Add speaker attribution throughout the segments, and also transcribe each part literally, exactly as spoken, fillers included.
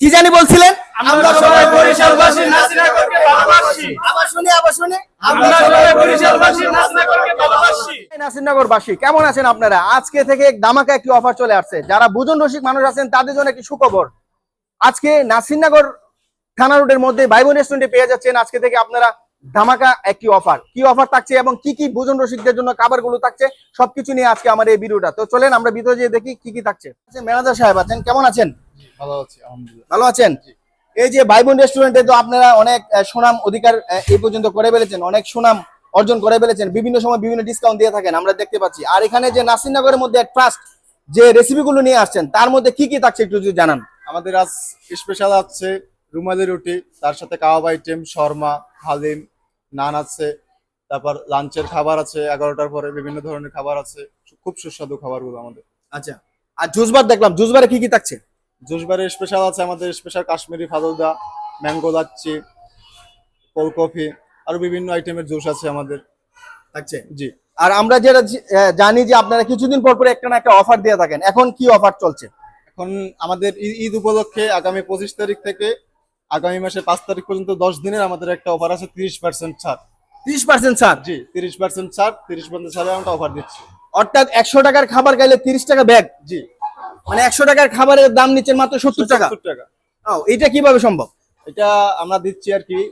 Speaker 1: কি জানি বলছিলেন?
Speaker 2: আমরা সবাই বরিশালবাসী নাসিরনগরকে ভালোবাসি।
Speaker 1: আবার শুনি আবার শুনি
Speaker 2: আমরা সবাই বরিশালবাসী নাসিরনগরকে ভালোবাসি।
Speaker 1: নাসিরনগরবাসী কেমন আছেন আপনারা? আজকে থেকে ধামাকা একটি অফার চলে আসছে। যারা বুজন রসিক মানুষ আছেন তাদের জন্য একটি সুখবর। আজকে নাসিরনগর থানা রোডের মধ্যে ভাই বোন রেস্টুরেন্টে পেয়ে যাচ্ছেন আজকে থেকে আপনারা ধামাকা একটি অফার। কি অফার থাকছে এবং কি কি বুজন রসিকদের জন্য খাবারগুলো থাকছে সবকিছু নিয়ে আজকে আমার এই ভিডিওটা। তো চলেন আমরা ভিতরে যেয়ে দেখি কি কি থাকছে। ম্যানেজার সাহেব আছেন, কেমন আছেন?
Speaker 3: ভালো আছি আলহামদুলিল্লাহ।
Speaker 1: ভালো আছেন? এই যে ভাই বোন রেস্টুরেন্টে তো আপনারা অনেক সুনাম অধিকার এই পর্যন্ত করে ফেলেছেন, অনেক সুনাম অর্জন করে ফেলেছেন, বিভিন্ন সময় বিভিন্ন ডিসকাউন্ট দিয়ে থাকেন আমরা দেখতে পাচ্ছি। আর এখানে যে নাসিরনগরের মধ্যে ট্রাস্ট যে রেসিপিগুলো নিয়ে আসছেন তার মধ্যে কি কি থাকছে একটু যদি জানান।
Speaker 3: আমাদের আজ স্পেশাল আছে রুমালি রুটি, তার সাথে কাবাব আইটেম, শর্মা, হালিম, নান আছে, তারপর লাঞ্চের খাবার আছে, এগারোটার পরে বিভিন্ন ধরনের খাবার আছে, খুব সুস্বাদু খাবারগুলো আমাদের।
Speaker 1: আচ্ছা, আর জুসবার দেখলাম, জুসবারে কি কি থাকছে?
Speaker 3: জুসবারে স্পেশাল আছে আমাদের special Kashmiri falooda, mango lassi, cold coffee, আরো বিভিন্ন আইটেমের জুস আছে আমাদের
Speaker 1: থাকছে।
Speaker 3: জি।
Speaker 1: আর আমরা যেটা জানি যে আপনারা কিছুদিন পর পর একটা না একটা অফার দিয়ে থাকেন, এখন কি অফার চলছে?
Speaker 3: এখন আমাদের ঈদ উপলক্ষে আগামী পঁচিশ তারিখ থেকে আগামী মাসে পাঁচ তারিখ পর্যন্ত দশ দিনের আমাদের একটা অফার আছে, তিরিশ পার্সেন্ট ছাড়।
Speaker 1: তিরিশ পার্সেন্ট ছাড়?
Speaker 3: জি, তিরিশ পার্সেন্ট ছাড়, তিরিশ পার্সেন্ট ছাড়ে আমরা অফার দিচ্ছি।
Speaker 1: অর্থাৎ একশো টাকার খাবার খাইলে তিরিশ টাকা ব্যাগ।
Speaker 3: জি,
Speaker 1: মানে একশো টাকার খাবারের দাম নিচ্ছেন মাত্র সত্তর টাকা।
Speaker 3: সত্তর টাকা।
Speaker 1: ও, এটা কিভাবে সম্ভব?
Speaker 3: এটা আমরা দিচ্ছি আর কি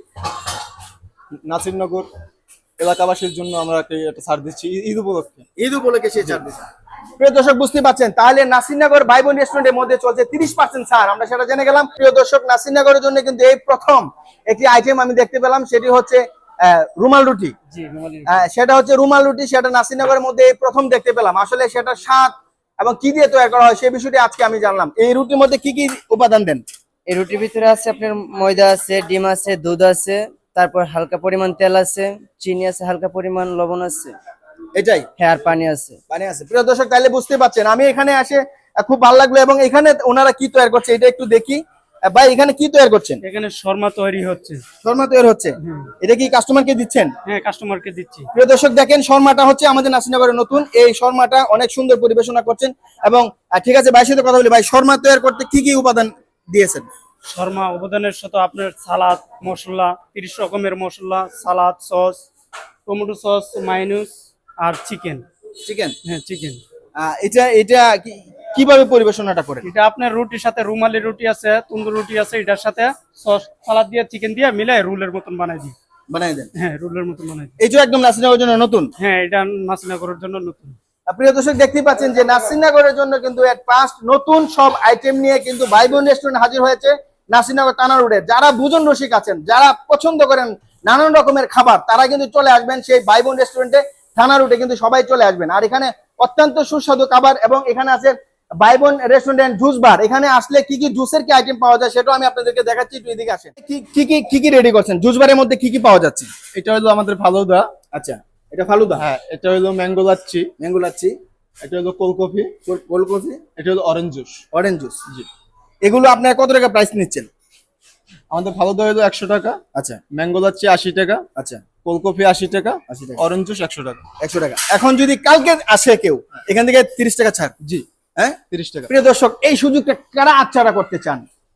Speaker 3: নাসিরনগর এলাকাবাসীর জন্য আমরা একটা ছাড় দিচ্ছি ঈদ উপলক্ষে।
Speaker 1: ঈদ উপলক্ষে সেই ছাড় দিচ্ছি। প্রিয় দর্শক বুঝতে পারছেন, তাহলে নাসিরনগর ভাই বোন রেস্টুরেন্টের মধ্যে চলছে তিরিশ পার্সেন্ট ছাড়, আমরা সেটা জেনে গেলাম। প্রিয় দর্শক, নাসিরনগরের জন্য কিন্তু এই প্রথম একটি আইটেম আমি দেখতে পেলাম, সেটি হচ্ছে রুমাল রুটি। সেটা হচ্ছে রুমাল রুটি, সেটা নাসিরনগরের মধ্যে এই প্রথম দেখতে পেলাম। আসলে সেটা স্বাদ এবং কি দিয়ে তৈরি করা হয় সেই বিষয়টি আজকে আমি জানলাম। এই রুটির মধ্যে কি কি উপাদান দেন?
Speaker 4: এই রুটির ভিতরে আছে আপনার ময়দা আছে, ডিম আছে, দুধ আছে, তারপর হালকা পরিমাণ তেল আছে, চিনি আছে, হালকা পরিমাণ লবণ আছে,
Speaker 1: এটাই?
Speaker 4: হ্যাঁ, আর পানি আছে।
Speaker 1: পানি আছে। প্রিয় দর্শক, তাহলে বুঝতে পারছেন আমি এখানে আসে খুব ভালো লাগলো। এবং এখানে ওনারা কি তৈরি করছে এটা একটু দেখি। ভাই, এখানে কি তৈরি করছেন?
Speaker 2: এখানে শর্মা তৈরি হচ্ছে।
Speaker 1: শর্মা তৈরি হচ্ছে? এটা কি কাস্টমারকে দিচ্ছেন?
Speaker 2: হ্যাঁ, কাস্টমারকে দিচ্ছি।
Speaker 1: প্রিয় দর্শক দেখেন, শর্মাটা হচ্ছে আমাদের নাসিরনগরের নতুন। এই শর্মাটা অনেক সুন্দর পরিবেশনা করছেন। এবং ঠিক আছে, ভাইয়ের সাথে কথা বলি। ভাই, শর্মা তৈরি করতে কি কি উপাদান দিয়েছেন?
Speaker 2: শর্মা উপাদানের সাথে আপনার সালাদ মশলা, তিরিশ রকমের masala, salad, sauce, tomato sauce, mayonnaise আর চিকেন।
Speaker 1: চিকেন?
Speaker 2: হ্যাঁ, চিকেন।
Speaker 1: এটা এটা কিভাবে পরিবেশনাটা করে?
Speaker 2: এটা আপনার রুটির সাথে রুমালি রুটি আছে, তন্দুর রুটি আছে, এটার সাথে সস, সালাদ দিয়ে চিকেন দিয়ে মিলাই রোলের মতন বানাই দিই।
Speaker 1: বানাই দেন?
Speaker 2: হ্যাঁ, রোলের মতন বানাই দিই।
Speaker 1: এইটা একদম নাসিরনগরের জন্য নতুন?
Speaker 2: হ্যাঁ, এটা নাসিরনগরের জন্য নতুন।
Speaker 1: প্রিয় দর্শক দেখতেই পাচ্ছেন যে নাসিরনগরের জন্য কিন্তু এট ফার্স্ট নতুন সব আইটেম নিয়ে কিন্তু ভাই বোন রেস্টুরেন্ট হাজির হয়েছে নাসিরনগর থানা রোডে। যারা বুজন রসিক আছেন, যারা পছন্দ করেন নানান রকমের খাবার, তারা কিন্তু চলে আসবেন সেই ভাই বোন রেস্টুরেন্টে থানা রোডে, কিন্তু সবাই চলে আসবেন। আর এখানে অত্যন্ত সুস্বাদু খাবার। এবং এখানে আছে ভাই বোন রেস্টুরেন্ট জুস বার। এখানে আসলে কি কি জুসের কি আইটেম পাওয়া যায় সেটাও আমি আপনাদেরকে দেখাচ্ছি, একটু এদিকে আসেন। কি কি কি কি রেডি করছেন জুস বারের মধ্যে? কি কি পাওয়া যাচ্ছে?
Speaker 3: এটা হলো আমাদের ফালুদা।
Speaker 1: আচ্ছা, এটা ফালুদা?
Speaker 3: হ্যাঁ, এটা হলো ম্যাঙ্গো লাচ্ছি।
Speaker 1: ম্যাঙ্গো লাচ্ছি।
Speaker 3: এটা হলো কোল্ড কফি।
Speaker 1: Cold coffee.
Speaker 3: এটা হলো অরেঞ্জ জুস।
Speaker 1: Orange juice.
Speaker 3: জি।
Speaker 1: এগুলো আপনার কত টাকা প্রাইস নিচ্ছেন?
Speaker 3: আমাদের ফালুদা হলো একশো টাকা।
Speaker 1: আচ্ছা।
Speaker 3: ম্যাঙ্গো লাচ্ছি আশি টাকা।
Speaker 1: আচ্ছা।
Speaker 3: কোল্ড কফি আশি টাকা।
Speaker 1: আশি টাকা।
Speaker 3: অরেঞ্জ জুস একশো টাকা।
Speaker 1: একশো টাকা। এখন যদি কালকে আসে কেউ, এখান থেকে তিরিশ টাকা ছাড়?
Speaker 3: জি।
Speaker 1: হ্যাঁ,
Speaker 3: তিরিশ টাকা।
Speaker 1: প্রিয় দর্শক, এই সুযোগটা কারা আচ্ছাড়া করতে চান?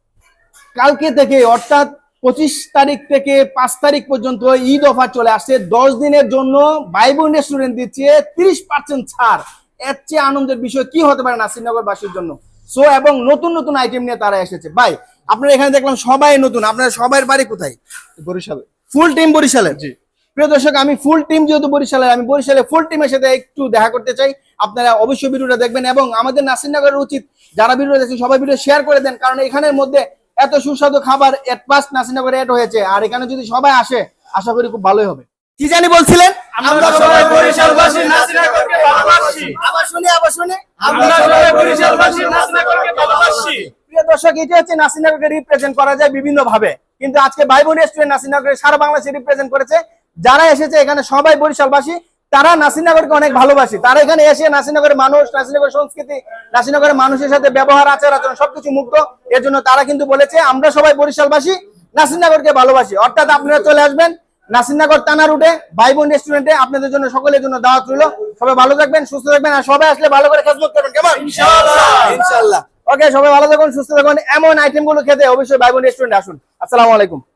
Speaker 1: কালকে থেকে অর্থাৎ পঁচিশ তারিখ থেকে পাঁচ তারিখ পর্যন্ত ঈদ অফার চলে আসছে। দশ দিনের জন্য ভাই বোন রেস্টুরেন্ট দিচ্ছে তিরিশ পার্সেন্ট ছাড়। এর চেয়ে আনন্দের বিষয় কি হতে পারে নাসিরনগর বাসীর জন্য? সো এবং নতুন নতুন আইটেম নিয়ে তারা এসেছে। ভাই, আপনারা এখানে দেখলাম সবাই নতুন। আপনারা সবার বাড়ি কোথায়?
Speaker 3: বরিশালে।
Speaker 1: ফুল টিম বরিশালের?
Speaker 3: জি।
Speaker 1: প্রিয় দর্শক, আমি ফুল টিম যেহেতু বরিশালের, আমি বরিশালের ফুল টিমের সাথে একটু দেখা করতে চাই। আপনারা অবশ্যই ভিডিওটা দেখবেন এবং আমাদের নাসিরনগরের উচিত যারা ভিডিও দেখছেন সবাই ভিডিও শেয়ার করে দেন, কারণ এখানের মধ্যে এত সুস্বাদু খাবার এট ফার্স্ট নাসিরনগরে এড হয়েছে। আর এখানে যদি সবাই আসে, আশা করি খুব ভালোই হবে। কি জানি বলছিলেন?
Speaker 2: আমরা সবাই বরিশালবাসী নাসিরনগরকে ভালোবাসি।
Speaker 1: আবার শুনি আবার শুনি
Speaker 2: আমরা সবাই বরিশালবাসী নাসিরনগরকে ভালোবাসি।
Speaker 1: প্রিয় দর্শক, এটা হচ্ছে নাসিরনগরকে রিপ্রেজেন্ট করা যায় বিভিন্ন ভাবে, কিন্তু আজকে ভাই বোন রেস্টুরেন্ট নাসিরনগরে সারা বাংলাদেশে রিপ্রেজেন্ট করেছে। যারা এসেছে এখানে সবাই বরিশালবাসী, তারা নাসিরনগরকে অনেক ভালোবাসে। তারা এখানে এসে নাসিরনগরের মানুষ, নাসিরনগরের সংস্কৃতি, নাসিরনগরের মানুষের সাথে ব্যবহার, আচার আচরণ সবকিছু মুগ্ধ। এর জন্য তারা কিন্তু বলেছে আমরা সবাই বরিশালবাসী নাসিরনগরকে ভালোবাসি। অর্থাৎ আপনারা চলে আসবেন নাসিরনগর থানা রোডে ভাই বোন রেস্টুরেন্টে। আপনাদের জন্য সকলের জন্য দাওয়াত রইল। সবাই ভালো থাকবেন, সুস্থ থাকবেন, আর সবাই আসলে ভালো করে খেদমত করবেন। কেমন? ইনশাআল্লাহ। ইনশাআল্লাহ। ওকে, সবাই ভালো থাকুন, সুস্থ থাকুন। এমন আইটেম গুলো খেতে অবশ্যই ভাই বোন রেস্টুরেন্টে আসুন। আসসালামু আলাইকুম।